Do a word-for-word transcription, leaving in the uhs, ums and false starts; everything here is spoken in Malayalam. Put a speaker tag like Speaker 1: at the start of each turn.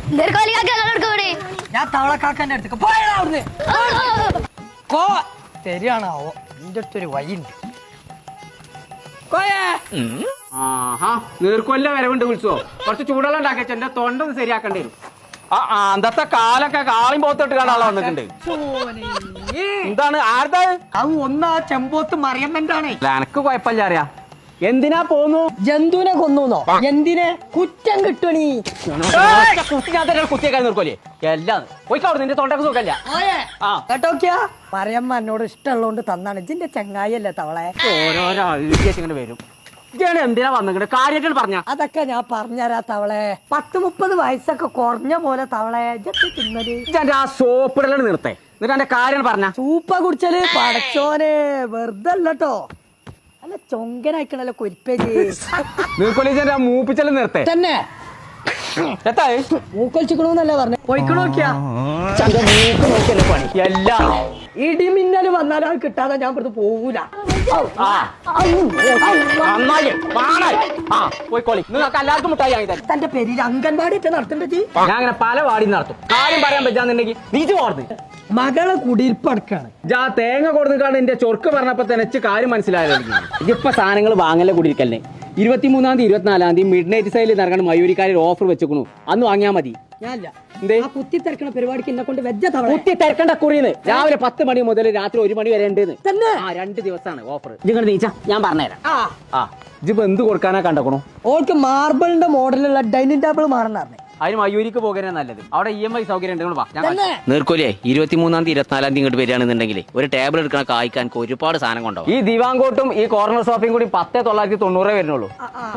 Speaker 1: ഞാൻ തവളക്കാക്കന്റെ അടുത്തേക്ക് പോയടാ അവിടുന്ന്. കോ ശരിയാണാവോ നിന്റെ അടുത്തൊരു വഴിയുണ്ട്.
Speaker 2: ആഹാ നീർക്കൊല്ല വരവുണ്ട് വിളിച്ചോ. കുറച്ച് ചൂടുവെള്ളം ഉണ്ടാക്കിയ എന്റെ തൊണ്ട ഒന്ന് ശരിയാക്കേണ്ടി വരും. ആ അന്നത്തെ കാലൊക്കെ കാളിയും പോത്തിട്ട് കാണാൻ വന്നിട്ടുണ്ട്. എന്താണ് ആരുടെ
Speaker 1: അത് ഒന്നാ ചെമ്പോത്ത് മറിയമ്മന്റെ ആണേ.
Speaker 2: എനക്ക് കുഴപ്പമില്ല അറിയാ. എന്തിനാ പോന്നു?
Speaker 1: ജന്തുവിനെ കൊന്നൂന്നോ? എന്തിനെ കുറ്റം കിട്ടണീ?
Speaker 2: കുത്തിയേക്കാൻ നിർക്കോലേ എല്ലാം പോയിക്കോട്. നിന്റെ തൊണ്ടക്ക് സുഖല്ല. ആ
Speaker 1: കേട്ടോക്കിയാ മറിയമ്മ എന്നോട് ഇഷ്ടമുള്ളതുകൊണ്ട് തന്നാണ്. ഇതിന്റെ ചങ്ങായിയല്ലേ തവളെ.
Speaker 2: ഓരോരോ ഇങ്ങനെ വരും. ഇതാണ് എന്തിനാ വന്നിട്ട് കാര്യമായിട്ട് പറഞ്ഞ.
Speaker 1: അതൊക്കെ ഞാൻ പറഞ്ഞുതരാ തവളെ. പത്ത് മുപ്പത് വയസ്സൊക്കെ കുറഞ്ഞ പോലെ തവളെ
Speaker 2: തിന്നത് ആ സോപ്പിടലാണ് നിർത്തേ. എന്നിട്ട് എന്റെ കാര്യം പറഞ്ഞ
Speaker 1: സൂപ്പ കുടിച്ചാല് പടച്ചോനെ വെറുതെ അല്ലട്ടോ. അല്ല ചൊങ്കനായിക്കണല്ലോ കൊരിപ്പേര്.
Speaker 2: നീർക്കൊലിച്ചെന്റെ ആ മൂപ്പിച്ചല് നിർത്തേ
Speaker 1: തന്നെ മൂക്കൊലിച്ചിക്കണോന്നല്ലേ പറഞ്ഞേ. പോയിക്കണോ നോക്കിയാ
Speaker 2: മൂക്ക് നോക്കിയല്ലേ പണി എല്ലാം.
Speaker 1: ഇടിമിന്നല് വന്നാലും അത് കിട്ടാതെ ഞാൻ ഇവിടുന്ന് പോകൂല.
Speaker 2: പോയിക്കോളി. നിങ്ങൾക്ക് എല്ലാവർക്കും മുട്ടായി വാങ്ങി തരാം.
Speaker 1: തന്റെ പേരിൽ അംഗൻവാടി നടത്തേണ്ടത്.
Speaker 2: ഞാൻ അങ്ങനെ പല വാടി നടത്തും. കാര്യം പറയാൻ പറ്റാന്നുണ്ടെങ്കിൽ നീച്ച് പോർന്ന്
Speaker 1: മകളെ കുടിയിരിപ്പടക്കാണ്.
Speaker 2: ജാ തേങ്ങ കൊടുക്കാണ്ട് എന്റെ ചൊർക്ക് പറഞ്ഞപ്പോ തന്നെ കാര്യം മനസ്സിലായത്. ഇതിപ്പോ സാധനങ്ങൾ വാങ്ങലെ കുടിയിരിക്കല്ലേ. ഇരുപത്തിമൂന്നാം തീയതി ഇരുപത്തിനാലാം തീയതി മിഡ് നൈറ്റ് സൈഡിൽ നടക്കണം മയൂരിക്കാരിൽ ഓഫർ വെച്ചേക്കണു. അന്ന് വാങ്ങിയാൽ മതി.
Speaker 1: ഞാനില്ല കുത്തി തിരക്കണ പരിപാടിക്ക് എന്നെ കൊണ്ട് വെച്ച
Speaker 2: കുത്തി തിരക്കണ്ട കുറിയെന്ന്. രാവിലെ പത്ത് മണി മുതൽ രാത്രി ഒരു മണി വരെ ഉണ്ട്.
Speaker 1: തന്നെ
Speaker 2: ആ രണ്ട് ദിവസമാണ് ഓഫർ. നിങ്ങൾ നീച്ചാ ഞാൻ പറഞ്ഞുതരാം. ആ ഇജിപ്പോ എന്ത് കൊടുക്കാനാ കണ്ടക്കണു?
Speaker 1: ഓൾക്ക് മാർബിളിന്റെ മോഡലുള്ള ഡൈനിങ് ടേബിൾ മാറണാർന്നേ.
Speaker 2: അതിന് മയൂരിക്ക് പോകാനാ നല്ലത്. അവിടെ ഇ എം ഐ സൗകര്യം ഉണ്ട്. നീർക്കോലേ ഇരുപത്തിമൂന്നാം തീയതി ഇരുപത്തിനാലാം തീയതി ഇങ്ങോട്ട് വരികയാണെന്നുണ്ടെങ്കിൽ ഒരു ടേബിൾ എടുക്കണ കായ്ക്കാൻ ഒരുപാട് സാധനം കൊണ്ടാവും. ഈ ദിവാങ്കോട്ടും ഈ കോർണർ സോഫയും കൂടി പത്തേ തൊള്ളായിരത്തി തൊണ്ണൂറേ വരുന്നുള്ളൂ.